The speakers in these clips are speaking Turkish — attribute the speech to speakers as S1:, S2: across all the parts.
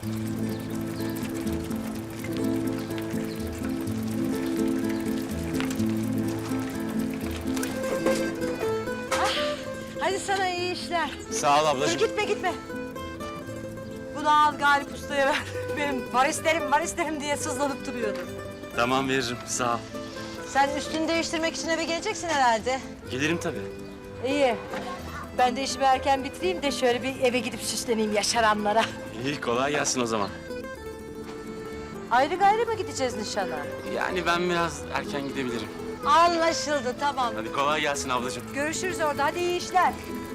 S1: Hadi sana iyi işler.
S2: Sağ ol ablacığım.
S1: Dur gitme. Bunu al Galip Usta'ya ver. Benim var isterim diye sızlanıp duruyordu.
S2: Tamam veririm, sağ ol.
S1: Sen üstünü değiştirmek için eve geleceksin herhalde.
S2: Gelirim tabii.
S1: İyi. Ben de işimi erken bitireyim de şöyle bir eve gidip süsleneyim yaşaranlara.
S2: İyi, kolay gelsin o zaman.
S1: Ayrı gayrı mı gideceğiz nişana?
S2: Yani ben biraz erken gidebilirim.
S1: Anlaşıldı, tamam.
S2: Hadi kolay gelsin ablacığım.
S1: Görüşürüz orada, hadi iyi işler.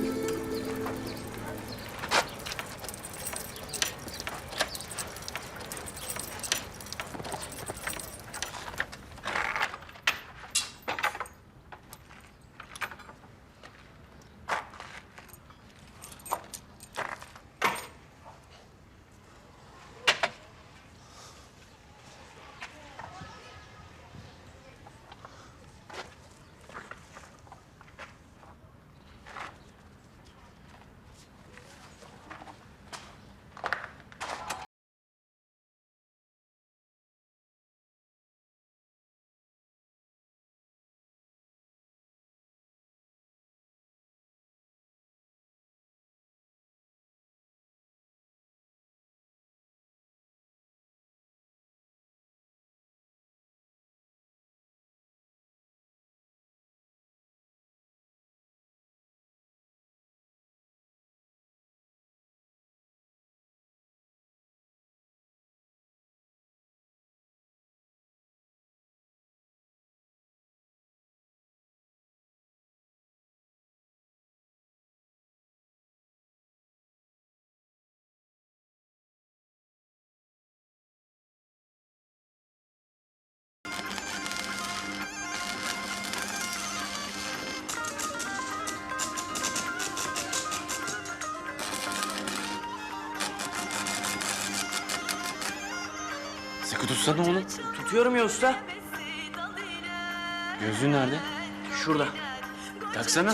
S2: Sıkı tutsana oğlum.
S3: Tutuyorum ya usta.
S2: Gözlüğün nerede?
S3: Şurada.
S2: Taksana.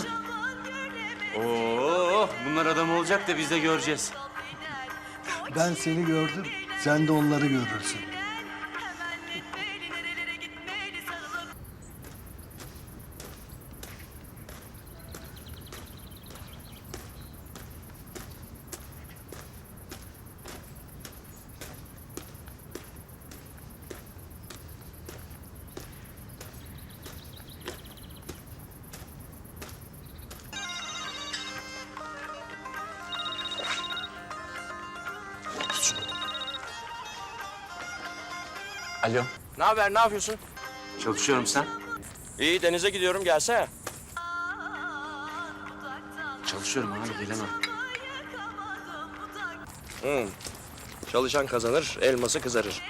S2: Oo, bunlar adam olacak da biz de göreceğiz.
S4: Ben seni gördüm, sen de onları görürsün.
S2: Alo.
S3: Ne haber, ne yapıyorsun?
S2: Çalışıyorum, sen?
S3: İyi, denize gidiyorum, gelsene.
S2: Çalışıyorum abi, gelemem.
S3: Çalışan kazanır, elması kızarır.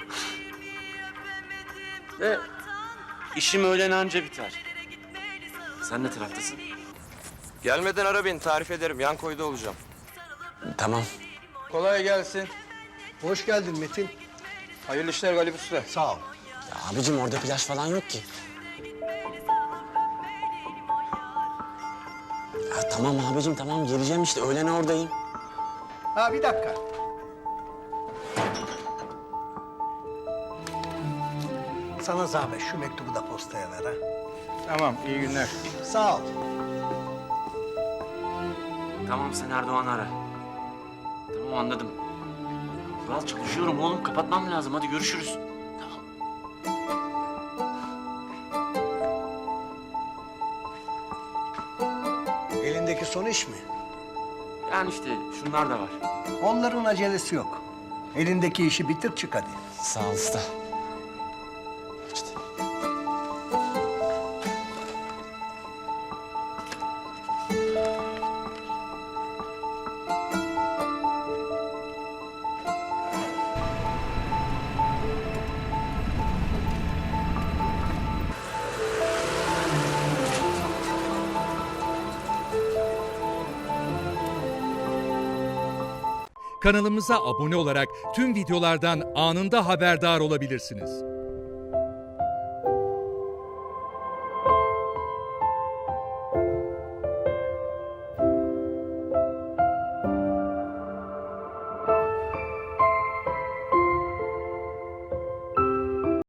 S2: İşim öğlen anca biter. Sen ne taraftasın?
S3: Gelmeden ara beni, tarif ederim. Yan koyda olacağım.
S2: Tamam.
S5: Kolay gelsin.
S4: Hoş geldin Metin.
S5: Hayırlı işler Galip Usta.
S4: Sağ ol.
S6: Ya abicim orada plaj falan yok ki. Ya tamam abicim tamam geleceğim işte öğlen oradayım.
S4: Ha bir dakika. Sana zahmet şu mektubu da postaya ver ha.
S5: Tamam, iyi günler.
S4: Sağ ol.
S2: Tamam, sen Erdoğan'ı ara. Tamam, anladım. Kural, çalışıyorum oğlum, kapatmam lazım. Hadi görüşürüz. Tamam.
S4: Elindeki son iş mi?
S2: Yani işte şunlar da var.
S4: Onların acelesi yok. Elindeki işi bitir çık hadi.
S6: Sağ ol usta. İşte.
S7: Kanalımıza abone olarak tüm videolardan anında haberdar olabilirsiniz.